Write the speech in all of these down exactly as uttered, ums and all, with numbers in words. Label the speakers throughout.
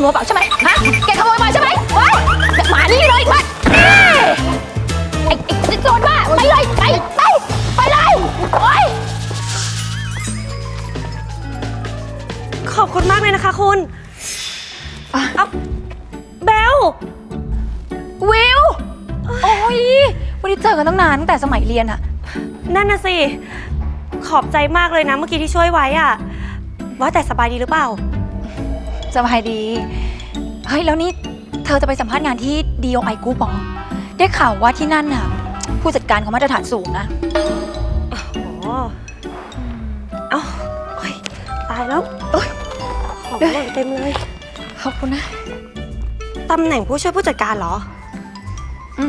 Speaker 1: โมยเปล่าใช่ไหมฮะแกขโมยมาใช่ไหมเฮ้ยหมานี่เลยมาไอ้ไอ้โจรบ้าไปเลยไปไปไปเลยโอ๊ย
Speaker 2: ขอบคุณมากเลยนะคะคุณเอาเบล
Speaker 1: วิวโอ้ยไม่ได้เจอกันตั้งนานตั้งแต่สมัยเรียนอะ
Speaker 2: นั่นน่ะสิขอบใจมากเลยนะเมื่อกี้ที่ช่วยไว้อะว่าแต่สบายดีหรือเปล่า
Speaker 1: สบายดีเฮ้ยแล้วนี่เธอจะไปสัมภาษณ์งานที่ ดี โอ ไอ Group หรอได้ข่าวว่าที่นั่นน่ะผู้จัดการเขามาตรฐานสูงนะ
Speaker 2: อ๋อเอ้าตายแล้วของหล่นเต็มเลย
Speaker 1: ขอบคุณนะ
Speaker 2: ตำแหน่งผู้ช่วยผู้จัดการเหรอ
Speaker 1: อืม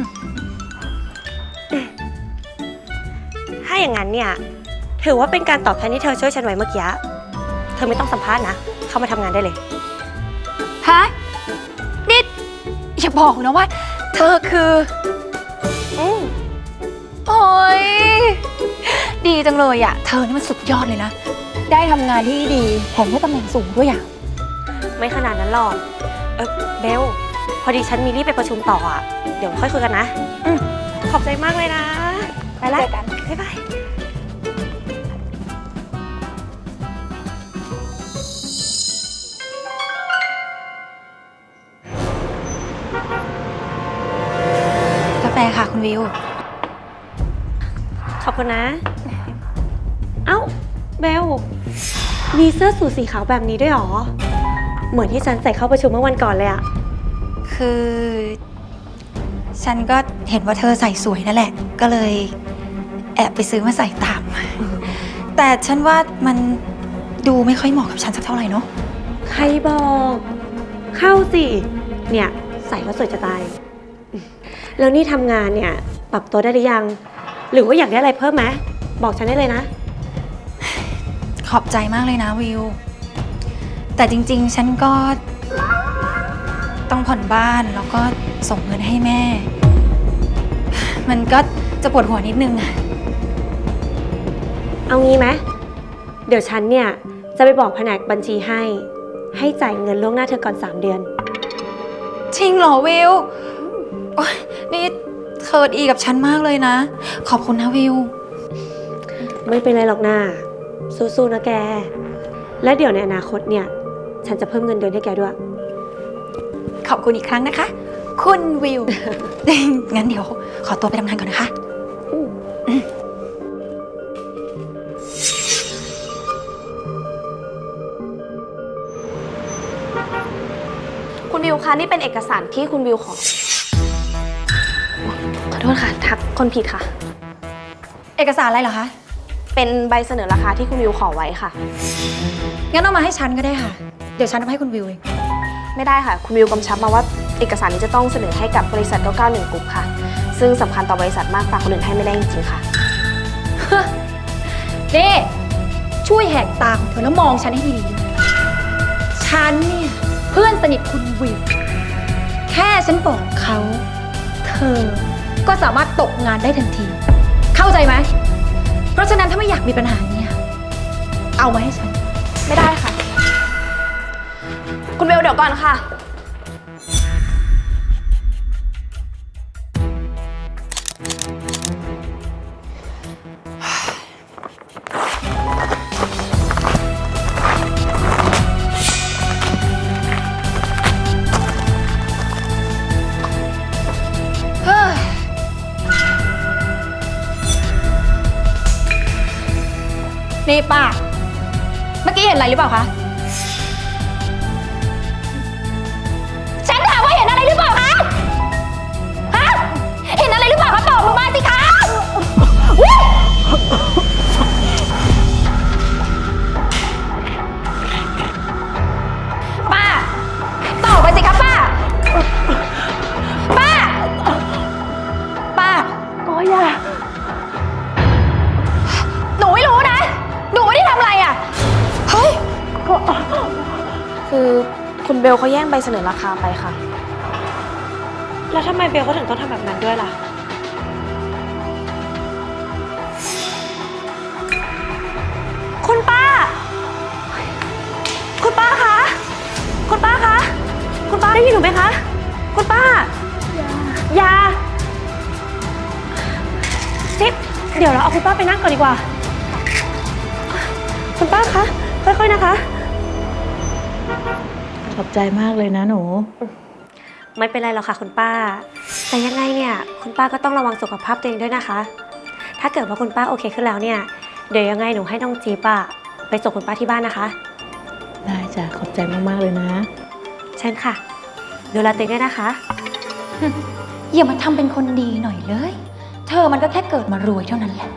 Speaker 2: ถ้าอย่างนั้นเนี่ยถือว่าเป็นการตอบแทนที่เธอช่วยฉันไว้เมื่อกี้เธอไม่ต้องสัมภาษณ์นะเข้ามาทำงานได้เลย
Speaker 1: ฮะนี่อย่าบอกนะว่าเธอคือ
Speaker 2: อืม
Speaker 1: โอ้ยดีจังเลยอ่ะเธอนี่มันสุดยอดเลยนะได้ทำงานที่ดีแถมได้ตำแหน่งสูงด้วยอ่ะ
Speaker 2: ไม่ขนาดนั้นหรอกเออเบลพอดีฉันมีรีบไปประชุมต่ออ่ะเดี๋ยวค่อยคุยกันนะ
Speaker 1: อืม
Speaker 2: ขอบใจมากเลยนะไปละ
Speaker 1: เจอกัน
Speaker 2: บ๊ายบาย
Speaker 1: กาแฟค่ะคุณวิว
Speaker 2: ขอบคุณนะเอ้าเบลมีเสื้อสูทสีขาวแบบนี้ด้วยหรอเหมือนที่ฉันใส่เข้าประชุมเมื่อวันก่อนเลยอะ
Speaker 1: คือฉันก็เห็นว่าเธอใส่สวยนั่นแหละก็เลยแอบไปซื้อมาใส่ตามแต่ฉันว่ามันดูไม่ค่อยเหมาะกับฉันสักเท่าไหร่เนาะ
Speaker 2: ใครบอกเข้าสิเนี่ยใส่แล้วสวยจะตายแล้วนี่ทำงานเนี่ยปรับตัวได้หรือยังหรือว่าอยากได้อะไรเพิ่มไหมบอกฉันได้เลยนะ
Speaker 1: ขอบใจมากเลยนะวิวแต่จริงๆฉันก็ต้องผ่อนบ้านแล้วก็ส่งเงินให้แม่มันก็จะปวดหัวนิดนึงอะ
Speaker 2: เอางี้ไหมเดี๋ยวฉันเนี่ยจะไปบอกแผนกบัญชีให้ให้จ่ายเงินล่วงหน้าเธอก่อนสามเดือน
Speaker 1: จริงเหรอวิวโอ๊ยนี่เธอดีกับฉันมากเลยนะขอบคุณนะวิว
Speaker 2: ไม่เป็นไรหรอกนะสู้ๆนะแกและเดี๋ยวในอนาคตเนี่ยฉันจะเพิ่มเงินเดือนให้แกด้วย
Speaker 1: ขอบคุณอีกครั้งนะคะคุณวิว งั้นเดี๋ยวขอตัวไปทำงานก่อนนะคะ
Speaker 3: คุณวิวคะนี่เป็นเอกสารที่คุณวิวขอขอโทษค่ะทักคนผิดค่ะ
Speaker 1: เอกสารอะไรเหรอคะ
Speaker 3: เป็นใบเสนอราคาที่คุณวิวขอไว้ค่ะ
Speaker 1: งั้นเอามาให้ฉันก็ได้ค่ะเดี๋ยวฉันเอาให้คุณวิวเอง
Speaker 3: ไม่ได้ค่ะคุณวิวกำชับมาว่าเอกสารนี้จะต้องเสนอให้กับบริษัทเก้าเก้าหนึ่งกรุ๊ปค่ะซึ่งสำคัญต่อบริษัทมากฝากคนอื่นให้ไม่ได้จริงๆค่ะ
Speaker 1: นี่ช่วยแหกตาของเธอแล้วมองฉันให้ดีๆฉันเนี่ยเพื่อนสนิทคุณวิวแค่ฉันบอกเขาเธอก็สามารถตกงานได้ทันทีเข้าใจไหมเพราะฉะนั้นถ้าไม่อยากมีปัญหาเนี่ยเอามาให้ฉัน
Speaker 3: ไม่ได้ค่ะคุณเบลเดี๋ยวก่อนค่ะ
Speaker 1: นี่ป้าเมื่อกี้เห็นอะไรหรือเปล่าคะฉันถามว่าเห็นอะไรหรือเปล่าคะฮะเห็นอะไรหรือเปล่าคะตอบลงมาสิคะป้าตอบไปสิคะป้าป้าป้าโอ้ยอย่าหนูไม่รู้นะหนูไม่ได้ทำอะไรอ่ะเฮ้ย
Speaker 3: คือคุณเบลเขาแย่งใบเสนอราคาไปค่ะ
Speaker 2: แล้วทำไมเบลเขาถึงต้องทำแบบนั้นด้วยล่ะคุณป้าคุณป้าคะคุณป้าคะได้ยินหนูไหมคะ คุณป้า ยาจิ๊บเดี๋ยวเราเอาคุณป้าไปนั่งก่อนดีกว่า คุณป้าคะ ค่อยๆนะคะ
Speaker 4: ขอบใจมากเลยนะหนู
Speaker 2: ไม่เป็นไรหรอกค่ะคุณป้า แต่ยังไงเนี่ยคุณป้าก็ต้องระวังสุขภาพตัวเองด้วยนะคะ ถ้าเกิดว่าคุณป้าโอเคขึ้นแล้วเนี่ย เดี๋ยวยังไงหนูให้น้องจี๊บอะไปส่งคุณป้าที่บ้านนะคะ
Speaker 4: ได้จ้ะ ขอบใจมากๆเลยนะ
Speaker 2: เช่นค่ะ ดูแลตัวเองด้วยนะคะ
Speaker 1: อย่ามาทำเป็นคนดีหน่อยเลย เธอมันก็แค่เกิดมารวยเท่านั้นแหละ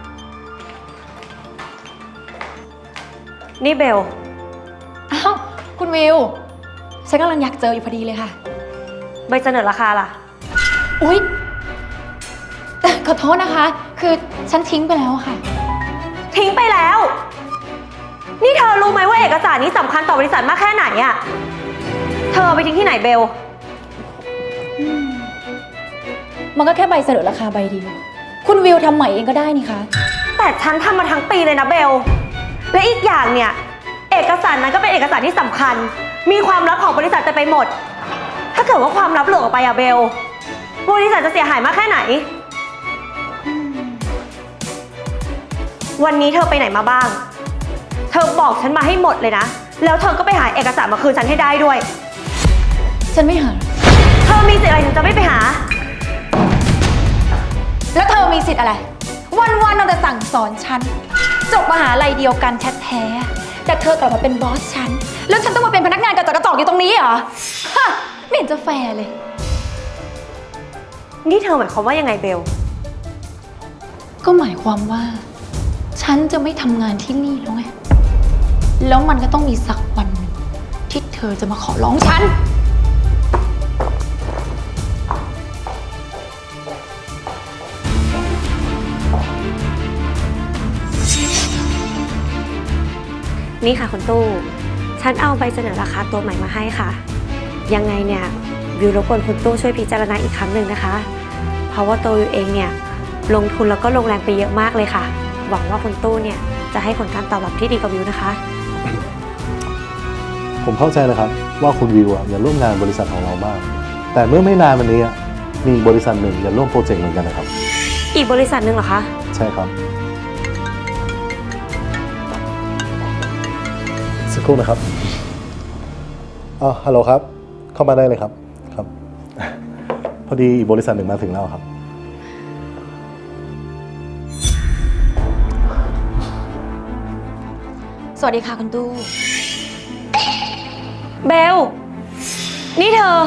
Speaker 2: นี่เบล
Speaker 1: อ้าว คุณวิว ฉันกำลังอยากเจออยู่พอดีเลยค่ะ
Speaker 2: ใบเสนอราคาล่ะ
Speaker 1: อุ๊ย ขอโทษนะคะ คือฉันทิ้งไปแล้วค่ะ
Speaker 2: ทิ้งไปแล้ว นี่เธอรู้ไหมว่าเอกสารนี้สำคัญต่อบริษัทมากแค่ไหนอะเธอเอาไปทิ้งที่ไหนเบล
Speaker 1: มันก็แค่ใบเสนอราคาใบเดียว คุณวิวทำใหม่เองก็ได้นี่คะ
Speaker 2: แต่ฉันทำมาทั้งปีเลยนะเบล และอีกอย่างเนี่ย เอกสารนั้นก็เป็นเอกสารที่สำคัญ มีความลับของบริษัทเต็มไปหมด ถ้าเกิดว่าความลับหลุดออกไปอะเบล บริษัทจะเสียหายมากแค่ไหน วันนี้เธอไปไหนมาบ้าง เธอบอกฉันมาให้หมดเลยนะ แล้วเธอก็ไปหาเอกสารมาคืนฉันให้ได้ด้วย
Speaker 1: ฉันไม่หา
Speaker 2: เธอมีสิทธิ์อะไรถึงจะไม่ไปหา
Speaker 1: แล้วเธอมีสิทธิ์อะไร วันๆเราแต่สั่งสอนฉัน จบมหาลัยเดียวกันแท้ๆแต่เธอกลับมาเป็นบอสฉัน แล้วฉันต้องมาเป็นพนักงานกระจอกกระจอกอยู่ตรงนี้เหรอ ฮะ ไม่เห็นจะแฟร์เลย
Speaker 2: นี่เธอหมายความว่ายังไงเบล
Speaker 1: ก็หมายความว่า ฉันจะไม่ทำงานที่นี่แล้วไง แล้วมันก็ต้องมีสักวันหนึ่งที่เธอจะมาขอร้องฉัน
Speaker 2: นี่ค่ะคุณตู้ ฉันเอาใบเสนอราคาตัวใหม่มาให้ค่ะ ยังไงเนี่ยวิวรบกวนคุณตู้ช่วยพิจารณาอีกครั้งหนึ่งนะคะ เพราะว่าตัววิวเองเนี่ยลงทุนแล้วก็ลงแรงไปเยอะมากเลยค่ะ หวังว่าคุณตู้เนี่ยจะให้ผลการตอบรับที่ดีกับวิวนะคะ
Speaker 5: ผมเข้าใจนะครับว่าคุณวิวอ่ะอยากร่วมงานบริษัทของเรามาก แต่เมื่อไม่นานมานี้อะมีอีกบริษัทหนึ่งอยากร่วมโปรเจกต์เหมือนกันนะครับ
Speaker 2: อีกบริษัทหนึ่งเหรอคะ
Speaker 5: ใช่ครับสักครู่นะครับอ๋อฮัลโหลครับ เข้ามาได้เลยครับครับ พอดีอีกบริษัทหนึ่งมาถึงแล้วครับ
Speaker 1: สวัสดีค่ะคุณตู้
Speaker 2: เบล นี่เธอ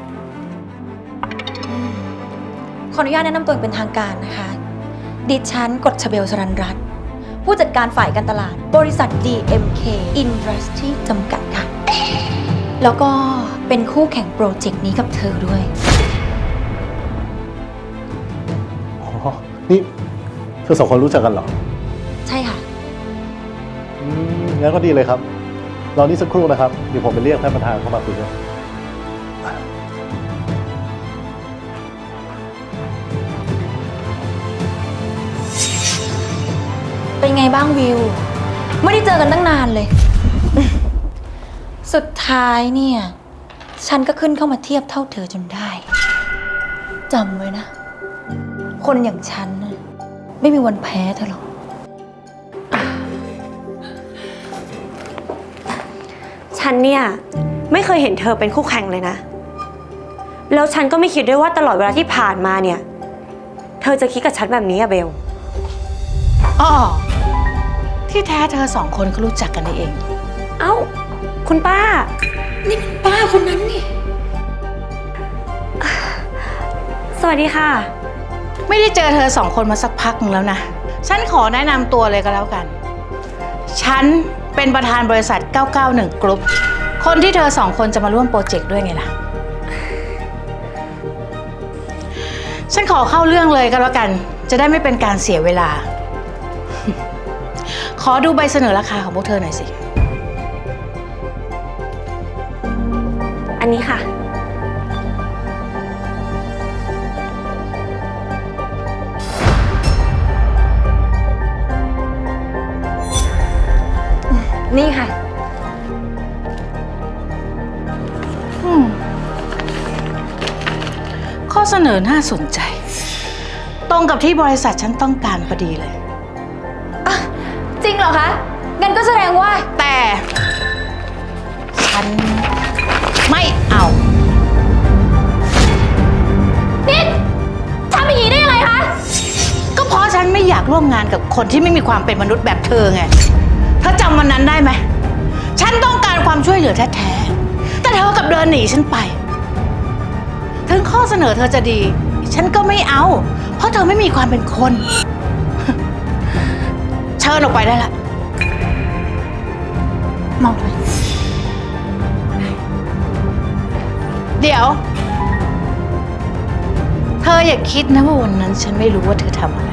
Speaker 1: ขออนุญาตแนะนำตัวเป็นทางการนะคะ ดิฉันกฎชเบลสรันรัตน์ผู้จัดการฝ่ายการตลาด บริษัท ดี เอ็ม เค Industry จำกัดค่ะ แล้วก็เป็นคู่แข่งโปรเจกต์นี้กับเธอด้วย
Speaker 5: อ๋อ นี่เธอสองคนรู้จักกันเหรอ
Speaker 1: ใช่ค่ะ
Speaker 5: อืมงั้นก็ดีเลยครับ รอนี่สักครู่นะครับ เดี๋ยวผมไปเรียกท่านประธานเข้ามาคุยด้วย
Speaker 1: เป็นไงบ้างวิว ไม่ได้เจอกันตั้งนานเลย สุดท้ายเนี่ย ฉันก็ขึ้นเข้ามาเทียบเท่าเธอจนได้จำไว้นะ คนอย่างฉันน่ะไม่มีวันแพ้เธอหรอก
Speaker 2: ฉันเนี่ยไม่เคยเห็นเธอเป็นคู่แข่งเลยนะ แล้วฉันก็ไม่คิดด้วยว่าตลอดเวลาที่ผ่านมาเนี่ย เธอจะคิดกับฉันแบบนี้อะเบล
Speaker 4: อ้อ ที่แท้เธอสองคนก็รู้จักกันนี่เอง
Speaker 2: เอ้า คุณป้า
Speaker 1: นี่มันป้าคนนั้นนี่
Speaker 2: สวัสดีค่ะ
Speaker 4: ไม่ได้เจอเธอสองคนมาสักพักหนึงแล้วนะ ฉันขอแนะนำตัวเลยก็แล้วกัน ฉันเป็นประธานบริษัท เก้าเก้าหนึ่ง กรุ๊ป คนที่เธอสองคนจะมาร่วมโปรเจกต์ด้วยไงล่ะ ฉันขอเข้าเรื่องเลยก็แล้วกัน จะได้ไม่เป็นการเสียเวลา ขอดูใบเสนอราคาของพวกเธอหน่อยสิ
Speaker 2: อันนี้ค่ะ
Speaker 1: นี่ค่ะ
Speaker 4: อืมเสนอน่าสนใจ ตรงกับที่บริษัทฉันต้องการพอดีเลย
Speaker 1: จริงเหรอคะ งั้นก็แสดงว่า
Speaker 4: แต่ ฉันไม่เอา
Speaker 1: นี่ทำอย่างนี้ได้ยังไงคะ
Speaker 4: ก็เพราะฉันไม่อยากร่วมงานกับคนที่ไม่มีความเป็นมนุษย์แบบเธอไง เธอจำวันนั้นได้ไหม ฉันต้องการความช่วยเหลือแท้ๆ แต่เธอกลับเดินหนีฉันไป ถึงข้อเสนอเธอจะดี ฉันก็ไม่เอา เพราะเธอไม่มีความเป็นคน เชิญออกไปได้ละ
Speaker 1: มองทำไม
Speaker 4: เดี๋ยว เธออย่าคิดนะว่าวันนั้นฉันไม่รู้ว่าเธอทำอะไร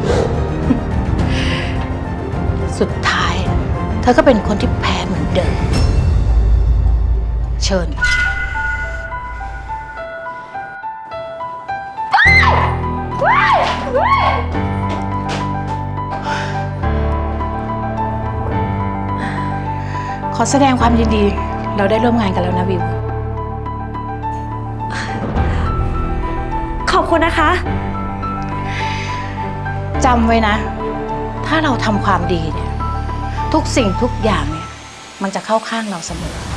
Speaker 4: สุดท้าย เธอก็เป็นคนที่แพ้เหมือนเดิม เชิญ ขอแสดงความยินดี เราได้ร่วมงานกันแล้วนะวิว
Speaker 2: ขอบคุณนะคะ
Speaker 4: จำไว้นะ ถ้าเราทำความดีเนี่ย ทุกสิ่งทุกอย่างเนี่ย มันจะเข้าข้างเราเสมอ